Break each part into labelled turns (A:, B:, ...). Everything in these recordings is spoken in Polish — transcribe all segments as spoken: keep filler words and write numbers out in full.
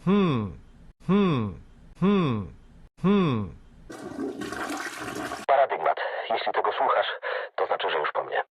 A: Hmm, hmm, hmm, hmm.
B: Paradygmat. Jeśli tego słuchasz, to znaczy, że już po mnie.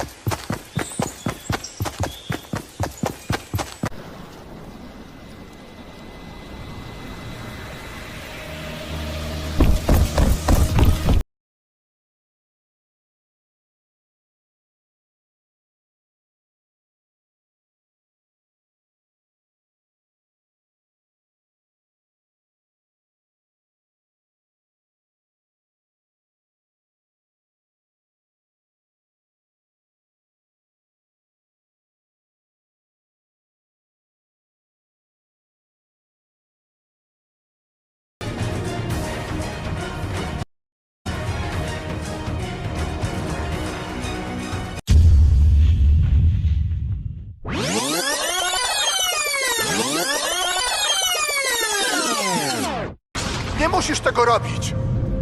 C: Nie musisz tego robić!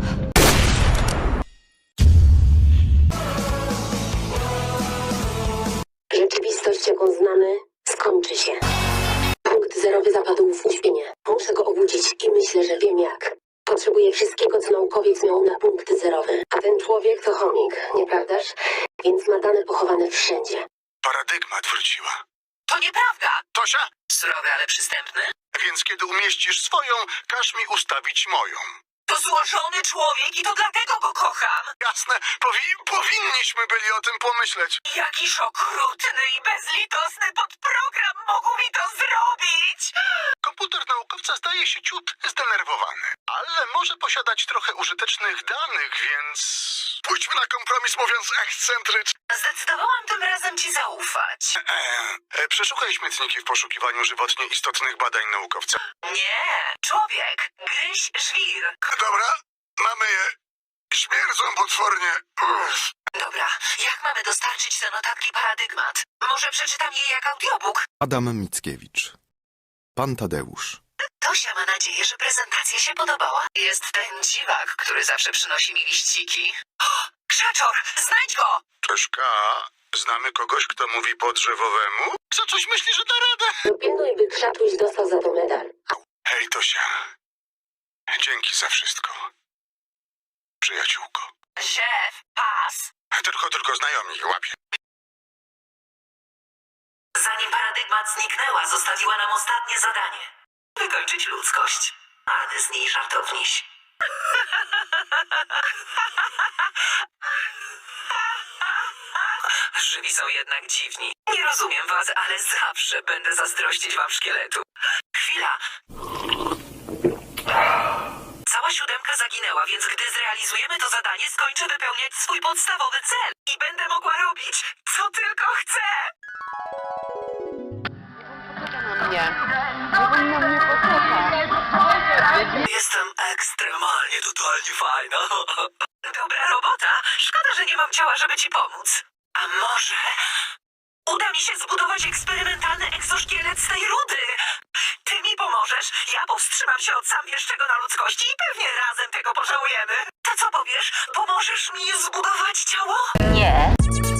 D: Rzeczywistość, jaką znamy, skończy się. Punkt zerowy zapadł w uśpienie. Muszę go obudzić i myślę, że wiem jak. Potrzebuję wszystkiego, co naukowiec miał na punkt zerowy. A ten człowiek to chomik, nieprawdaż? Więc ma dane pochowane wszędzie.
C: Paradygmat wróciła.
E: To nieprawda!
C: Tosia?
E: Surowy, ale przystępny?
C: Więc kiedy umieścisz swoją, każ mi ustawić moją.
E: To złożony człowiek i to dlatego go kocham!
C: Jasne, powi powinniśmy byli o tym pomyśleć.
E: Jakiż okrutny i bezlitosny podprogram mógł mi to zrobić!
C: Komputer naukowca zdaje się ciut zdenerwowany, ale może posiadać trochę użytecznych danych, więc... Pójdźmy na kompromis, mówiąc ekscentrycznie.
E: Zdecydowałam tym razem ci zaufać.
C: E, e, przeszukaj śmietniki w poszukiwaniu żywotnie istotnych badań naukowca.
E: Nie, człowiek, gryź żwir.
C: Dobra, mamy je. Śmierdzą potwornie. Uff.
E: Dobra, jak mamy dostarczyć te notatki paradygmat? Może przeczytam je jak audiobook?
F: Adam Mickiewicz. Pan Tadeusz.
E: Tosia ma nadzieję, że prezentacja się podobała. Jest ten dziwak, który zawsze przynosi mi liściki. O, krzaczor, znajdź go!
C: Czeszka, znamy kogoś, kto mówi po drzewowemu? Co coś myśli, że da radę?
D: Dopilnuj, by Krzaczuś dostał za to medal.
C: Hej, Tosia. Dzięki za wszystko. Przyjaciółko.
E: Szef, pas.
C: Tylko, tylko znajomi, łapie.
E: Zanim paradygmat zniknęła, zostawiła nam ostatnie zadanie. Wykończyć ludzkość. Ale z niej żartowniś. Żywi są jednak dziwni. Nie rozumiem was, ale zawsze będę zazdrościć wam szkieletu. Chwila. Cała siódemka zaginęła, więc gdy zrealizujemy to zadanie, skończę wypełniać swój podstawowy cel. I będę mogła robić, co tylko chcę. Jestem ekstremalnie, totalnie fajna. Dobra robota. Szkoda, że nie mam ciała, żeby ci pomóc. A może uda mi się zbudować eksperymentalny egzoszkielet z tej rudy? Ty mi pomożesz, ja powstrzymam się od zamieszczego na ludzkości i pewnie razem tego pożałujemy. To co powiesz? Pomożesz mi zbudować ciało?
D: Nie.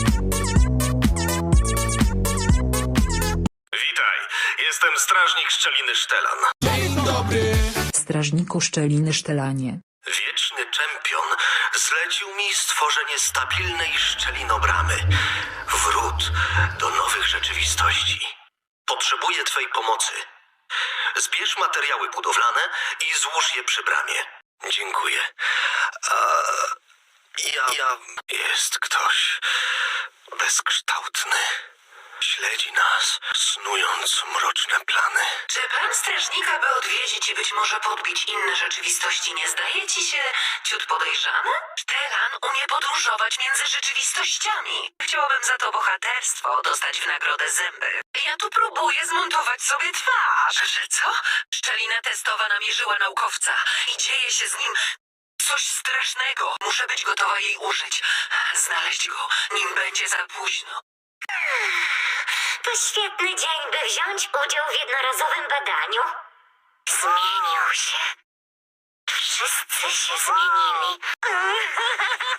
B: Witaj, jestem strażnik Szczeliny Sztelan.
G: Strażniku Szczeliny Sztelanie.
B: Wieczny czempion zlecił mi stworzenie stabilnej szczelinobramy. Wrót do nowych rzeczywistości. Potrzebuję twej pomocy. Zbierz materiały budowlane i złóż je przy bramie. Dziękuję. A ja... ja... Jest ktoś bezkształtny. Śledzi nas, snując mroczne plany.
E: Czy plan strażnika, by odwiedzić i być może podbić inne rzeczywistości, nie zdaje ci się ciut podejrzany? Sztelan umie podróżować między rzeczywistościami. Chciałabym za to bohaterstwo dostać w nagrodę zęby. Ja tu próbuję zmontować sobie twarz. Że co? Szczelina testowa namierzyła naukowca i dzieje się z nim coś strasznego. Muszę być gotowa jej użyć. Znaleźć go, nim będzie za późno.
H: To świetny dzień, by wziąć udział w jednorazowym badaniu. Zmienił się. Wszyscy się zmienili.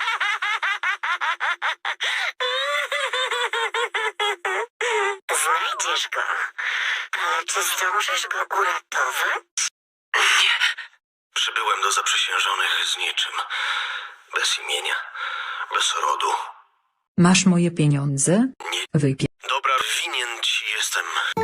H: Znajdę Obudzisz go. Ale czy zdążysz go uratować?
E: Nie.
B: Przybyłem do zaprzysiężonych z niczym. Bez imienia, bez rodu.
G: Masz moje pieniądze?
B: Nie.
G: Wypie...
B: Dobra, winien ci jestem.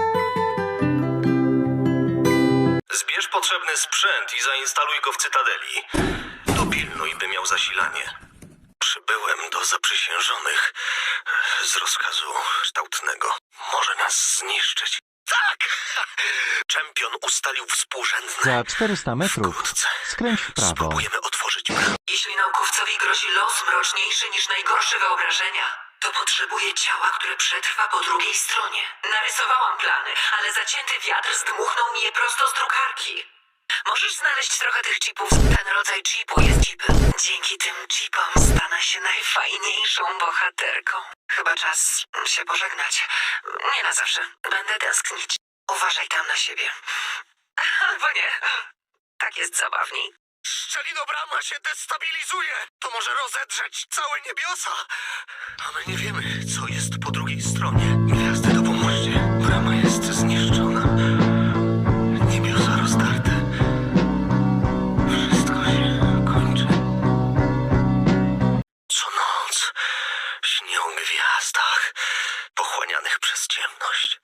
B: Zbierz potrzebny sprzęt i zainstaluj go w Cytadeli. Dopilnuj, by miał zasilanie. Przybyłem do zaprzysiężonych z rozkazu kształtnego. Może nas zniszczyć. Tak! Czempion ustalił współrzędne.
A: Za czterysta metrów
B: Wkrótce
A: skręć w prawo.
B: spróbujemy otworzyć bramę.
E: Jeśli naukowcowi grozi los mroczniejszy niż najgorsze wyobrażenia, to potrzebuje ciała, które przetrwa po drugiej stronie. Narysowałam plany, ale zacięty wiatr zdmuchnął mi je prosto z drukarki. Możesz znaleźć trochę tych chipów. Ten rodzaj chipu jest chipem. Dzięki tym chipom stanę się najfajniejszą bohaterką. Chyba czas się pożegnać. Nie na zawsze. Będę tęsknić. Uważaj tam na siebie. Albo nie. Tak jest zabawniej.
C: Szczelinobrama się destabilizuje. To może rozedrzeć całe niebiosa.
B: A my nie wiemy, co jest po drugiej stronie. Gwiazdy, dopomóżcie. Brama jest zniszczona. Niebiosa rozdarte. Wszystko się kończy. Co noc śnię o gwiazdach pochłanianych przez ciemność.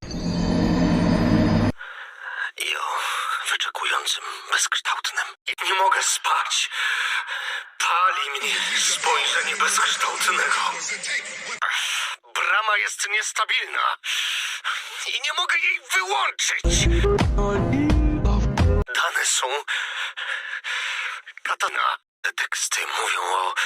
B: I o wyczekującym bezkształtnym. Nie mogę spać. Pali mnie spojrzenie bezkształtnego.
C: Brama jest niestabilna. I nie mogę jej wyłączyć.
B: Dane są... Katana. Te teksty mówią o... o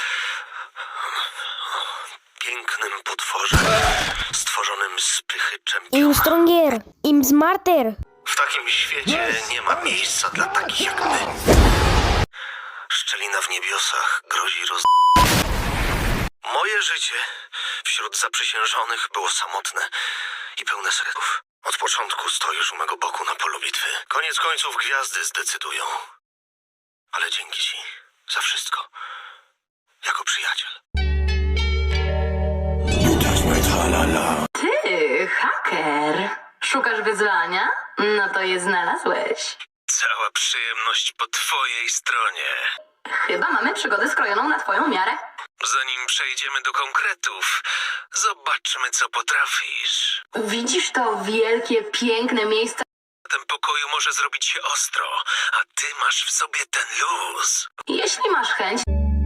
B: pięknym potworze stworzonym z pychy czempiona.
I: Im stronger, im smarter.
B: W takim świecie nie ma miejsca dla takich jak my. Szczelina w niebiosach grozi roz... Moje życie wśród zaprzysiężonych było samotne i pełne serców. Od początku stoisz u mego boku na polu bitwy. Koniec końców gwiazdy zdecydują. Ale dzięki ci za wszystko. Jako przyjaciel.
E: Ty, haker. Szukasz wyzwania? No to je znalazłeś.
B: Cała przyjemność po twojej stronie.
E: Chyba mamy przygodę skrojoną na twoją miarę.
B: Zanim przejdziemy do konkretów, zobaczmy, co potrafisz.
E: Widzisz to wielkie, piękne miejsce?
B: W tym pokoju może zrobić się ostro, a ty masz w sobie ten luz.
E: Jeśli masz chęć...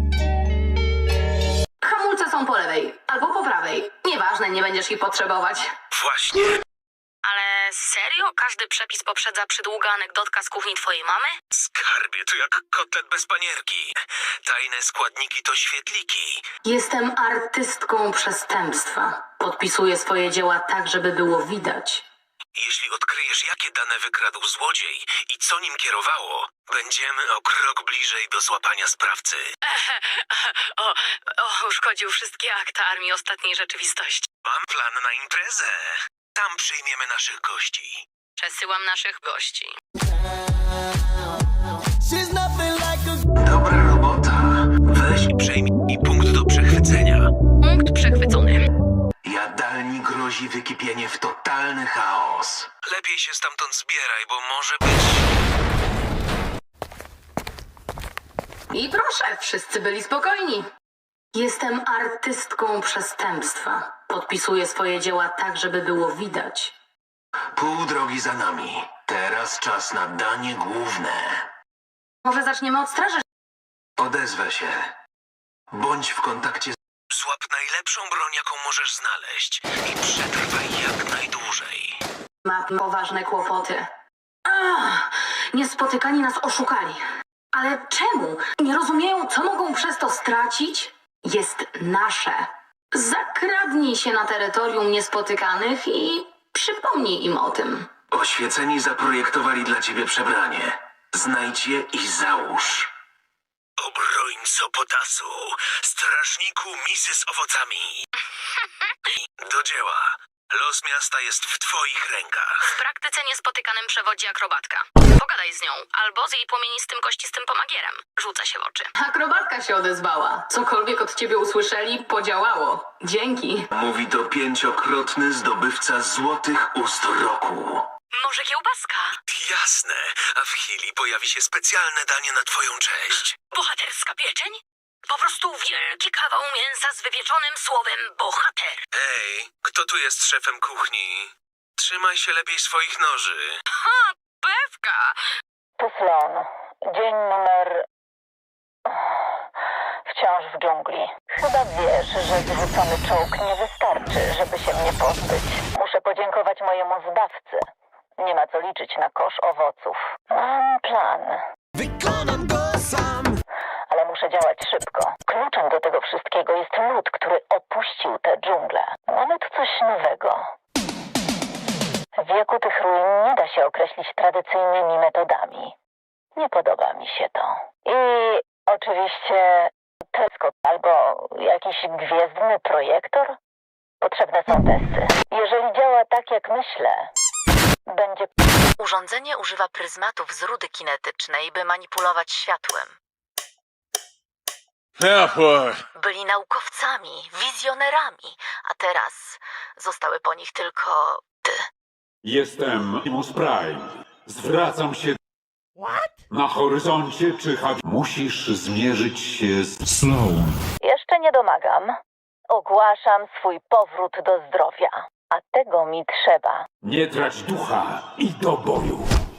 E: Hamulce są po lewej albo po prawej. Nieważne, nie będziesz ich potrzebować.
B: Właśnie.
J: Ale serio? Każdy przepis poprzedza przydługa anegdotka z kuchni twojej mamy?
B: Skarbie, to jak kotlet bez panierki. Tajne składniki to świetliki.
E: Jestem artystką przestępstwa. Podpisuję swoje dzieła tak, żeby było widać.
B: Jeśli odkryjesz, jakie dane wykradł złodziej i co nim kierowało, będziemy o krok bliżej do złapania sprawcy.
J: O, o, uszkodził wszystkie akta Armii Ostatniej Rzeczywistości.
B: Mam plan na imprezę. Tam przyjmiemy naszych gości.
J: Przesyłam naszych gości.
B: Dobra robota. Weź i przejmij punkt do przechwycenia.
J: Punkt przechwycony.
B: Jadalni grozi wykipienie w totalny chaos. Lepiej się stamtąd zbieraj, bo może być...
E: I proszę, wszyscy byli spokojni. Jestem artystką przestępstwa. Podpisuję swoje dzieła tak, żeby było widać.
B: Pół drogi za nami. Teraz czas na danie główne.
E: Może zaczniemy od straży?
B: Odezwę się. Bądź w kontakcie z... Złap najlepszą broń, jaką możesz znaleźć i przetrwaj jak najdłużej.
E: Ma poważne kłopoty. Ach, niespotykani nas oszukali. Ale czemu? Nie rozumieją, co mogą przez to stracić? Jest nasze. Zakradnij się na terytorium niespotykanych i przypomnij im o tym.
B: Oświeceni zaprojektowali dla ciebie przebranie. Znajdź je i załóż. Obrońco potasu, strażniku misy z owocami. Do dzieła. Los miasta jest w twoich rękach.
J: W praktyce niespotykanym przewodzi akrobatka. Pogadaj z nią, albo z jej płomienistym, kościstym pomagierem. Rzuca się w oczy.
E: Akrobatka się odezwała. Cokolwiek od ciebie usłyszeli, podziałało. Dzięki.
B: Mówi to pięciokrotny zdobywca złotych ust roku.
J: Może kiełbaska?
B: Jasne, a w chwili pojawi się specjalne danie na twoją cześć.
J: Bohaterska pieczeń? Po prostu wielki kawał mięsa z wypieczonym słowem bohater.
B: Ej, kto tu jest szefem kuchni? Trzymaj się lepiej swoich noży.
J: Ha, pewka!
K: Tu Slon. Dzień numer... Wciąż w dżungli. Chyba wiesz, że zrzucony czołg nie wystarczy, żeby się mnie pozbyć. Muszę podziękować mojemu zbawcy. Nie ma co liczyć na kosz owoców. Mam plan.
A: Wykonam go sam.
K: Ale muszę działać szybko. Kluczem do tego wszystkiego jest lud, który opuścił tę dżunglę. Mamy tu coś nowego. Wieku tych ruin nie da się określić tradycyjnymi metodami. Nie podoba mi się to. I oczywiście teleskop albo jakiś gwiezdny projektor? Potrzebne są testy. Jeżeli działa tak jak myślę, będzie...
L: Urządzenie używa pryzmatów z rudy kinetycznej, by manipulować światłem. Byli naukowcami, wizjonerami, a teraz zostały po nich tylko ty.
M: Jestem Optimus Prime. Zwracam się... Na horyzoncie czyha... Musisz zmierzyć się z... Sloan.
K: Jeszcze nie domagam. Ogłaszam swój powrót do zdrowia. A tego mi trzeba.
M: Nie trać ducha i do boju.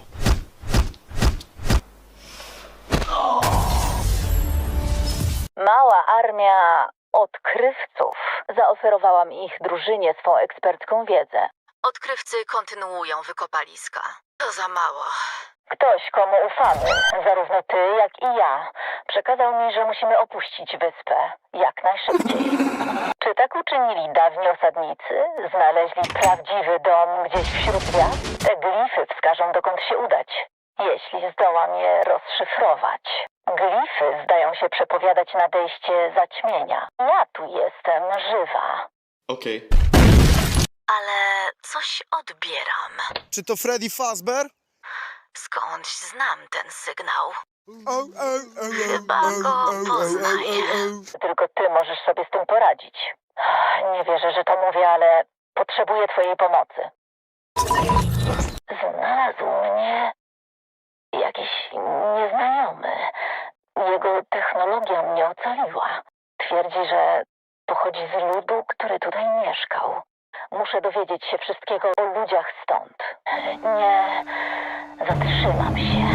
K: Mała armia odkrywców zaoferowała mi ich drużynie swą ekspercką wiedzę.
L: Odkrywcy kontynuują wykopaliska. To za mało.
K: Ktoś, komu ufamy, zarówno ty, jak i ja, przekazał mi, że musimy opuścić wyspę jak najszybciej. Czy tak uczynili dawni osadnicy? Znaleźli prawdziwy dom gdzieś wśród gwiazd? Te glify wskażą, dokąd się udać, jeśli zdołam je rozszyfrować. Glify zdają się przepowiadać nadejście zaćmienia. Ja tu jestem żywa.
A: Okej.
L: Ale coś odbieram.
A: Czy to Freddy Fazbear?
L: Skądś znam ten sygnał.
A: O, o, o,
L: Chyba go poznaję.
K: Tylko ty możesz sobie z tym poradzić. Nie wierzę, że to mówię, ale potrzebuję twojej pomocy. Znalazł mnie jakiś nieznajomy. Jego technologia mnie ocaliła. Twierdzi, że pochodzi z ludu, który tutaj mieszkał. Muszę dowiedzieć się wszystkiego o ludziach stąd. Nie zatrzymam się.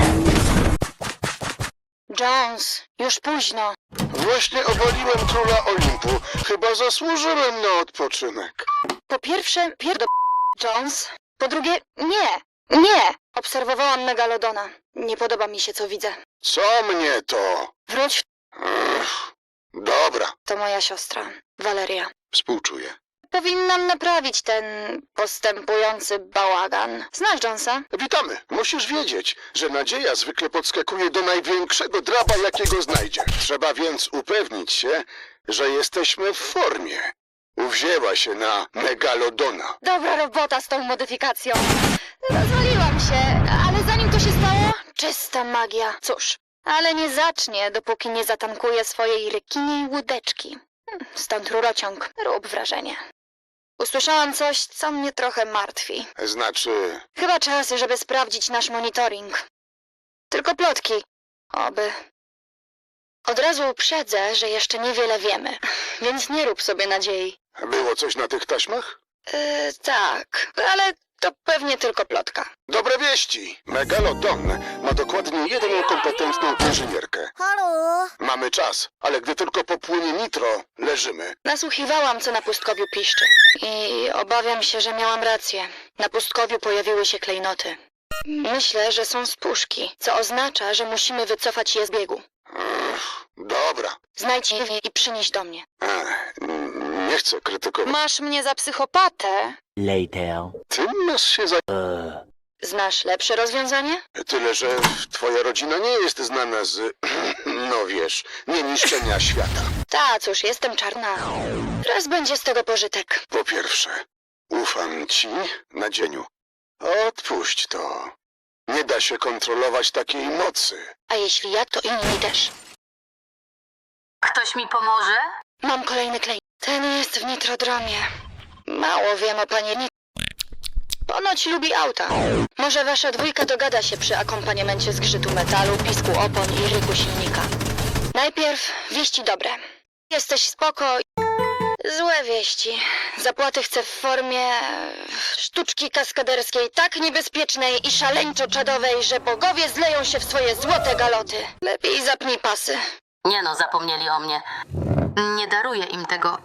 I: Jones, już późno.
C: Właśnie obaliłem króla Olimpu. Chyba zasłużyłem na odpoczynek.
I: Po pierwsze, pierdo... Jones. Po drugie, nie, nie. Obserwowałam Megalodona. Nie podoba mi się, co widzę.
C: Co mnie to?
I: Wróć,
C: Ech, dobra,
I: to moja siostra, Valeria.
C: współczuję.
I: Powinnam naprawić ten postępujący bałagan. Znasz Jonesa?
C: Witamy. Musisz wiedzieć, że nadzieja zwykle podskakuje do największego draba, jakiego znajdzie. Trzeba więc upewnić się, że jesteśmy w formie. Uwzięła się na Megalodona.
I: Dobra robota z tą modyfikacją. Rozwaliłam się, ale zanim to się stało, czysta magia. Cóż, ale nie zacznie, dopóki nie zatankuje swojej rekiniej łódeczki. Hm, Stąd rurociąg. Rób wrażenie. Usłyszałam coś, co mnie trochę martwi.
C: Znaczy,
I: Chyba czas, żeby sprawdzić nasz monitoring. Tylko plotki. Oby. Od razu uprzedzę, że jeszcze niewiele wiemy, więc nie rób sobie nadziei.
C: było coś na tych taśmach?
I: Yy, tak, ale to pewnie tylko plotka.
C: Dobre wieści. Megalodon ma dokładnie jedną kompetentną inżynierkę.
I: Halo?
C: Mamy czas, ale gdy tylko popłynie nitro, leżymy.
I: Nasłuchiwałam, co na pustkowiu piszczy. I obawiam się, że miałam rację. Na pustkowiu pojawiły się klejnoty. Myślę, że są z puszki, co oznacza, że musimy wycofać je z biegu.
C: Ech, dobra.
I: Znajdź je i przynieś do mnie.
C: Ech, nie chcę krytykować.
I: Masz mnie za psychopatę?
A: Later.
C: Ty masz się za...
I: Znasz lepsze rozwiązanie?
C: Tyle, że twoja rodzina nie jest znana z... no wiesz, nieniszczenia świata.
I: Ta, cóż, jestem czarna. Raz będzie z tego pożytek.
C: Po pierwsze, Ufam ci, Nadzieniu. Odpuść to. Nie da się kontrolować takiej mocy.
I: A jeśli ja, to inni też.
J: Ktoś mi pomoże?
I: Mam kolejny klej. Ten jest w nitrodromie. Mało wiem o panie Nit... Ponoć lubi auta. Może wasza dwójka dogada się przy akompaniamencie zgrzytu metalu, pisku opon i ryku silnika. Najpierw wieści dobre. Jesteś spoko. Złe wieści. Zapłaty chcę w formie sztuczki kaskaderskiej tak niebezpiecznej i szaleńczo czadowej, że bogowie zleją się w swoje złote galoty. Lepiej zapnij pasy.
J: Nie no, zapomnieli o mnie. Nie daruję im tego.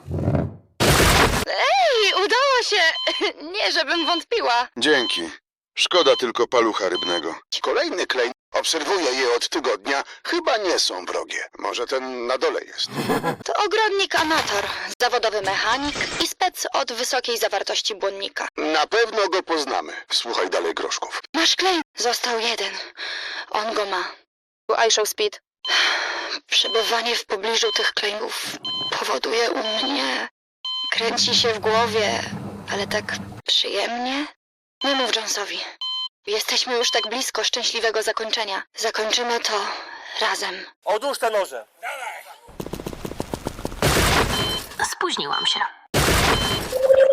I: Ej, udało się! Nie, żebym wątpiła.
C: Dzięki. Szkoda tylko palucha rybnego. Kolejny klej. Obserwuję je od tygodnia. Chyba nie są wrogie. Może ten na dole jest.
I: To ogrodnik amator, zawodowy mechanik i spec od wysokiej zawartości błonnika.
C: Na pewno go poznamy. Słuchaj dalej, Groszków.
I: Masz klej? Został jeden. On go ma. iShow Speed. Przebywanie w pobliżu tych klejów powoduje u mnie... Kręci się w głowie, ale tak przyjemnie. Nie mów Jonesowi. Jesteśmy już tak blisko szczęśliwego zakończenia. Zakończymy to razem.
A: Odłóż te noże.
J: Spóźniłam się.